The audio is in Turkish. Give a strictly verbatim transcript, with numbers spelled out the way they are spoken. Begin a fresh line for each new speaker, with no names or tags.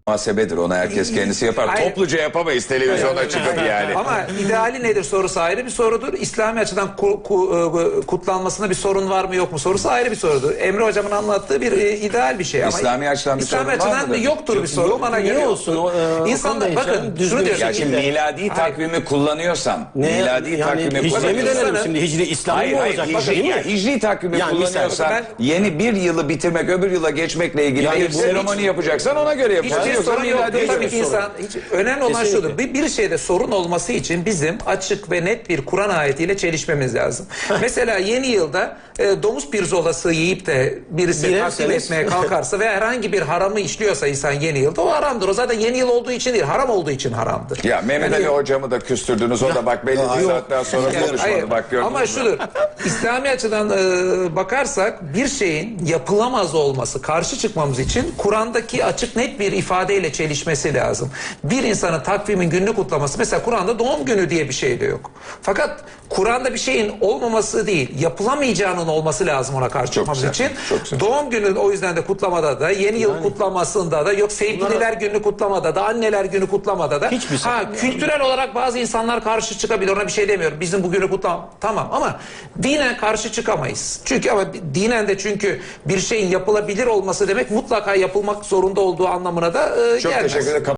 muhasebedir. Onu herkes kendisi yapar.
Hayır.
Topluca yapamayız televizyona çıkıp yani.
Ama ideali nedir sorusu ayrı bir sorudur. İslami açıdan ku, ku, kutlanmasında bir sorun var mı yok mu sorusu ayrı bir sorudur. Emre Hocam'ın anlattığı bir e, ideal bir şey. Ama
İslami açıdan bir
İslami
sorun var
açıdan
mıdır?
yoktur bir sorun.
Yok,
Bana
niye
göre
olsun? O, e,
İnsanlar
Okan Bey,
bakın
canım, düzgün
şunu diyorum.
Ya şimdi
İlle-
miladi takvimi kullanıyorsam,
Ne,
miladi
yani
takvimi
hicri mi
kullanıyorsam,
dönelim şimdi? Hicri İslam
hayır
mı
hayır
olacak?
hicri,
Değil mi?
ya, hicri takvimi
Yani
kullanıyorsan
mesela-
yeni bir yılı bitirmek öbür yıla geçmekle ilgili
Yani
bir
bu
seremoni
hiç-
yapacaksan ona göre yapacaksın.
Hiçbir
Yoksa
sorun
miladi
yoktur. Tabii
yok.
ki insan, hiç, önemli olan
Kesinlikle.
şudur. Bir, bir şeyde sorun olması için bizim açık ve net bir Kur'an ayetiyle çelişmemiz lazım. Mesela yeni yılda e, domuz pirzolası yiyip de birisi takdim
Yerseniz-
etmeye kalkarsa ve herhangi bir haramı işliyorsa insan yeni yılda o haramdır. O zaten yeni yıl olduğu için değil, haram olduğu için haramdır.
Ya Mehmet
Yani-
Ali hocamı da küstürdünüz. O da bak belli bir saatten sonra
Yani
konuşmadı.
hayır,
Bak gördünüz
ama
mü?
şudur. İslami açıdan e, bakarsak bir şeyin yapılamaz olması, karşı çıkmamız için Kur'an'daki açık net bir ifadeyle çelişmesi lazım. Bir insanın takvimin gününü kutlaması, mesela Kur'an'da doğum günü diye bir şey de yok. Fakat Kur'an'da bir şeyin olmaması değil, yapılamayacağının olması lazım ona karşı çıkmamız
güzel,
için.
çok güzel.
Doğum günü o yüzden de kutlamada da, yeni yıl kutlamasında da, yok sevgililer günü kutlamada da, anneler günü kutlamada da.
Hiçbir
ha,
sakınca
kültürel olarak bazı insanlar karşı çıkabilir, ona bir şey demiyorum. Bizim bugünü kutlam tamam, ama dinen karşı çıkamayız. Çünkü ama dinen de çünkü bir şeyin yapılabilir olması demek mutlaka yapılmak zorunda olduğu anlamına da e,
Çok
gelmez.
teşekkür ederim.